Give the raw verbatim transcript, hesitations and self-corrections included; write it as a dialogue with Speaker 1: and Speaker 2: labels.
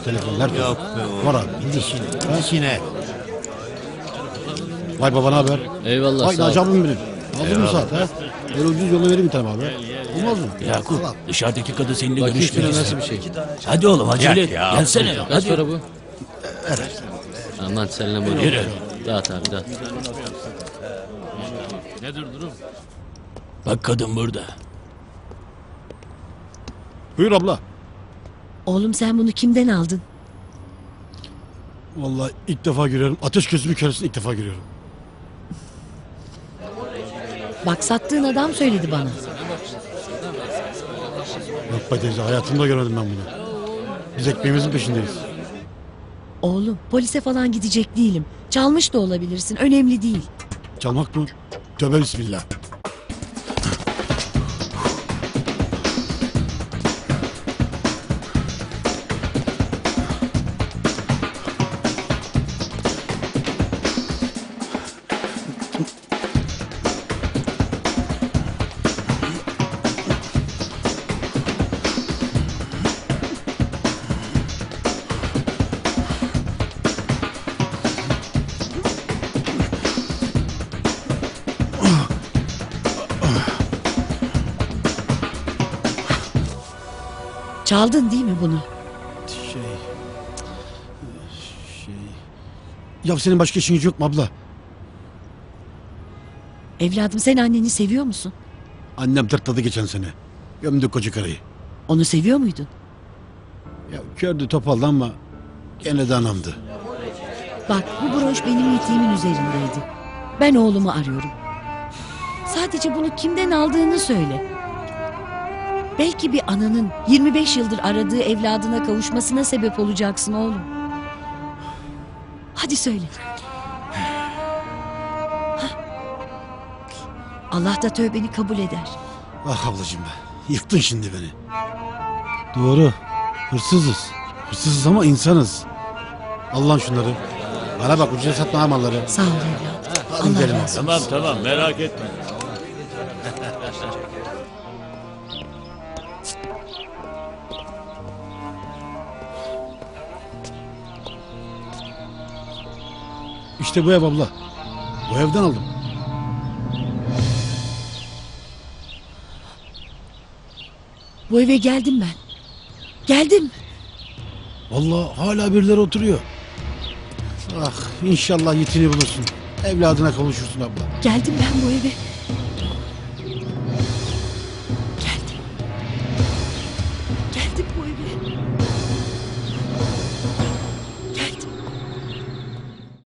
Speaker 1: bu telefonlar.
Speaker 2: Yok be oğlum.
Speaker 1: Var abi.
Speaker 2: İşine. İşine.
Speaker 1: Vay baba ne haber?
Speaker 3: Eyvallah
Speaker 1: Vay
Speaker 3: sağ ol.
Speaker 1: Naci abim benim. Aldın mı saat ha? Böyle ucuz yolla vereyim bir tane abi. Olmaz mı?
Speaker 4: Yakup dışarıdaki kadın seninle
Speaker 3: Bakayım
Speaker 4: görüşmek
Speaker 3: şuna
Speaker 4: istiyor.
Speaker 3: nasıl bir şey.
Speaker 4: Hadi oğlum acele et.
Speaker 2: ya.
Speaker 4: Gelsene.
Speaker 3: Kaç
Speaker 4: Hadi.
Speaker 3: para bu? Aman seninle bunu.
Speaker 4: Yürü.
Speaker 3: Dağıt abi dağıt.
Speaker 4: Bak kadın burada.
Speaker 1: Buyur abla.
Speaker 5: Oğlum sen bunu kimden aldın?
Speaker 1: Vallahi ilk defa görüyorum. Ateş gözümü köresini ilk defa görüyorum.
Speaker 5: Bak sattığın adam söyledi bana.
Speaker 1: Yok be teyze hayatımda görmedim ben bunu. Biz ekmeğimizin peşindeyiz.
Speaker 5: Oğlum polise falan gidecek değilim. Çalmış da olabilirsin. Önemli değil.
Speaker 1: Çalmak mı? Tövbe bismillah.
Speaker 5: Çaldın değil mi bunu?
Speaker 1: Şey... Şey... Ya senin başka işin yok mu abla?
Speaker 5: Evladım sen anneni seviyor musun?
Speaker 1: Annem tırtladı geçen sene. Gömdü koca karıyı.
Speaker 5: Onu seviyor muydun?
Speaker 1: Ya kördü topaldı ama gene de anamdı.
Speaker 5: Bak bu broş benim yetiğimin üzerindeydi. Ben oğlumu arıyorum. Sadece bunu kimden aldığını söyle. Belki bir ananın yirmi beş yıldır aradığı evladına kavuşmasına sebep olacaksın oğlum. Hadi söyle. Hah. Allah da tövbeni kabul eder.
Speaker 1: Ah ablacığım be. Yıktın şimdi beni. Doğru. Hırsızız. Hırsızız ama insanız. Allah'ım şunları. Bana bak ucuza satma ha malları.
Speaker 5: Sağ ol evladım.
Speaker 1: Hadi
Speaker 5: Allah
Speaker 1: gidelim
Speaker 5: razı olsun.
Speaker 2: Tamam tamam merak etme.
Speaker 1: İşte bu ev abla. Bu evden aldım.
Speaker 5: Bu eve geldim ben. Geldim.
Speaker 1: Vallahi hala birileri oturuyor. Ah inşallah yetini bulursun. Evladına kavuşursun abla.
Speaker 5: Geldim ben bu eve. Geldim. Geldim bu eve.